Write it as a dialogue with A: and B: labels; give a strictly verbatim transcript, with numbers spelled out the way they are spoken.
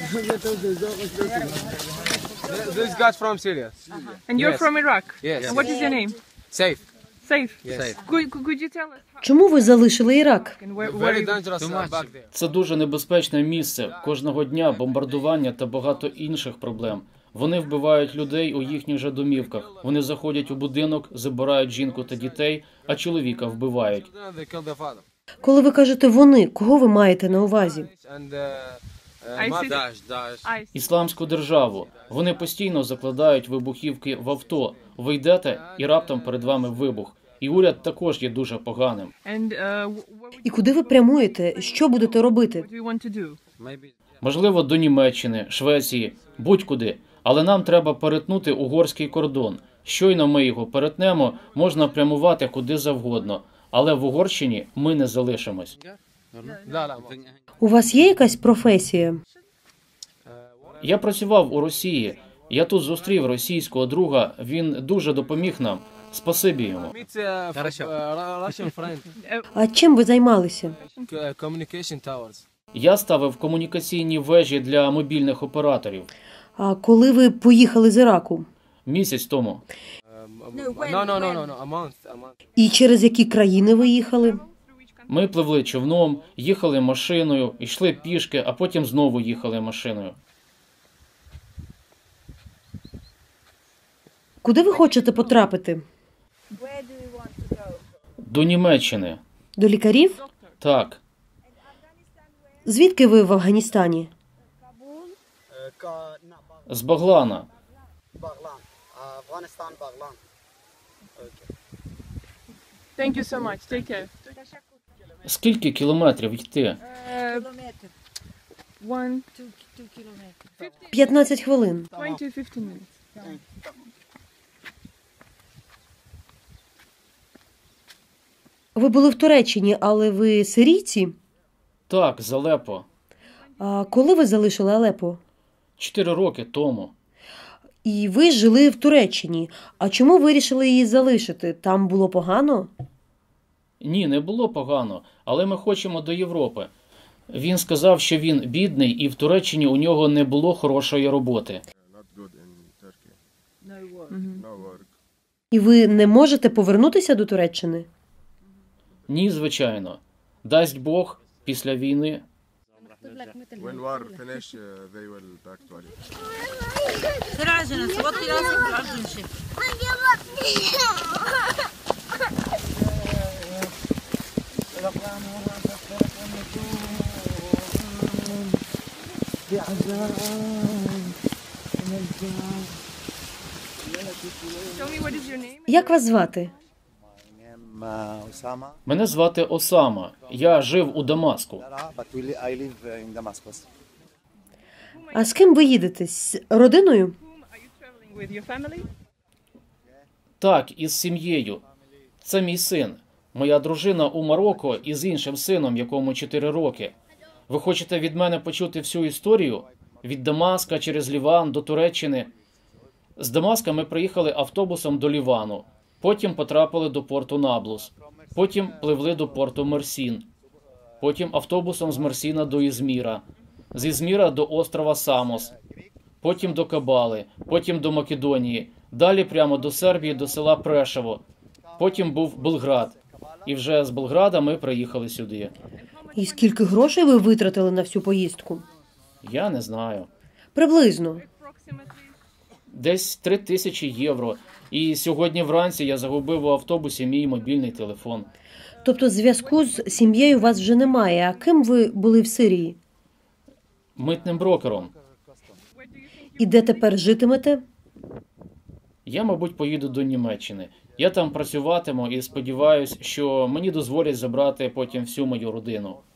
A: This guy's from Syria.
B: And you're
A: Yes.
B: from Iraq?
A: Yes.
B: And what is your name?
A: Safe.
B: Safe.
A: Yes.
B: Could, could you tell us how,
C: Чому ви залишили Ірак?
B: and where, where
A: Very
B: you...
A: dangerous uh, back there.
D: Це дуже небезпечне місце. Кожного дня бомбардування та багато інших проблем. Вони вбивають людей у їхніх же домівках. Вони заходять у будинок, забирають жінку та дітей, а чоловіка вбивають.
A: They killed their father.
C: Коли ви кажете «вони», кого ви маєте на увазі?
A: And uh, uh,
B: I
A: Mat-
B: see.
A: Daesh, Daesh.
B: I see.
D: Ісламську державу. Вони постійно закладають вибухівки в авто. Ви йдете, і раптом перед вами вибух. І уряд також є дуже поганим.
B: And uh, what would
C: І куди ви прямуєте? Що будете робити?
B: what do you want to do?
A: Maybe.
D: Можливо, до Німеччини, Швеції, будь-куди. Але нам треба перетнути угорський кордон. Щойно ми його перетнемо, можна прямувати куди завгодно. Але в Угорщині ми не залишимось.
A: لا لا.
C: У вас є якась професія?
D: Я працював у Росії. Я тут зустрів російського друга. Він дуже допоміг нам. Спасибі йому.
A: Meet uh, f- uh, Russian friend.
C: А чим ви займалися?
A: Uh, Communication towers.
D: Я ставив комунікаційні вежі для мобільних операторів.
C: А коли ви поїхали з Іраку?
D: Місяць тому.
A: Um, um, no, no, no, no, no. A month, a month.
C: І через які країни ви їхали?
D: Ми пливли човном, їхали машиною, йшли пішки, а потім знову їхали машиною.
C: Куди ви хочете потрапити?
D: До Німеччини.
C: До лікарів?
D: Так.
C: Звідки ви в Афганістані?
D: З Баглана.
E: Baglan, Afghanistan, Baglan. Okay.
B: Thank you so much. Take care.
D: Скільки кілометрів йти?
B: Uh, one,
C: п'ятнадцять хвилин.
B: twenty, fifteen minutes.
C: Ви були в Туреччині, але ви сирійці?
D: Так, з Алепо.
C: А коли ви залишили Алепо?
D: Чотири роки тому.
C: І ви жили в Туреччині. А чому вирішили її залишити? Там було погано?
D: Ні, не було погано, але ми хочемо до Європи. Він сказав, що він бідний і в Туреччині у нього не було хорошої роботи.
F: Not good in Turkey.
B: Mhm.
F: No work.
C: І ви не можете повернутися до Туреччини?
D: Ні, звичайно. Дасть Бог, після війни.
F: When war finish, uh, they will back to Ali.
B: Tell me what is your name?
C: Як вас звати?
E: I'm uh, Osama,
D: Мене звати Осама. Я жив у Дамаску.
E: but we li- I live uh, in Damascus.
C: А з ким ви їдете? З родиною?
B: Whom are you traveling with? Your family?
D: Так, із сім'єю. Це мій син. Моя дружина у Марокко із іншим сином, якому чотири роки. Ви хочете від мене почути всю історію? Від Дамаска через Ліван до Туреччини. З Дамаска ми приїхали автобусом до Лівану. Потім потрапили до порту Наблус. Потім пливли до порту Мерсін. Потім автобусом з Мерсіна до Ізміра. З Ізміра до острова Самос. Потім до Кабали. Потім до Македонії. Далі прямо до Сербії, до села Прешево. Потім був Белград. І вже з Белграда ми приїхали сюди.
C: І скільки грошей ви витратили на всю поїздку?
D: Я не знаю.
C: Приблизно.
B: Approximately.
D: Десь три тисячі євро. І сьогодні вранці я загубив у автобусі мій мобільний телефон.
C: Тобто зв'язку з сім'єю у вас вже немає. А ким ви були в Сирії?
D: Митним брокером.
C: І де тепер житимете?
D: Я, мабуть, поїду до Німеччини. Я там працюватиму і сподіваюся, що мені дозволять забрати потім всю мою родину.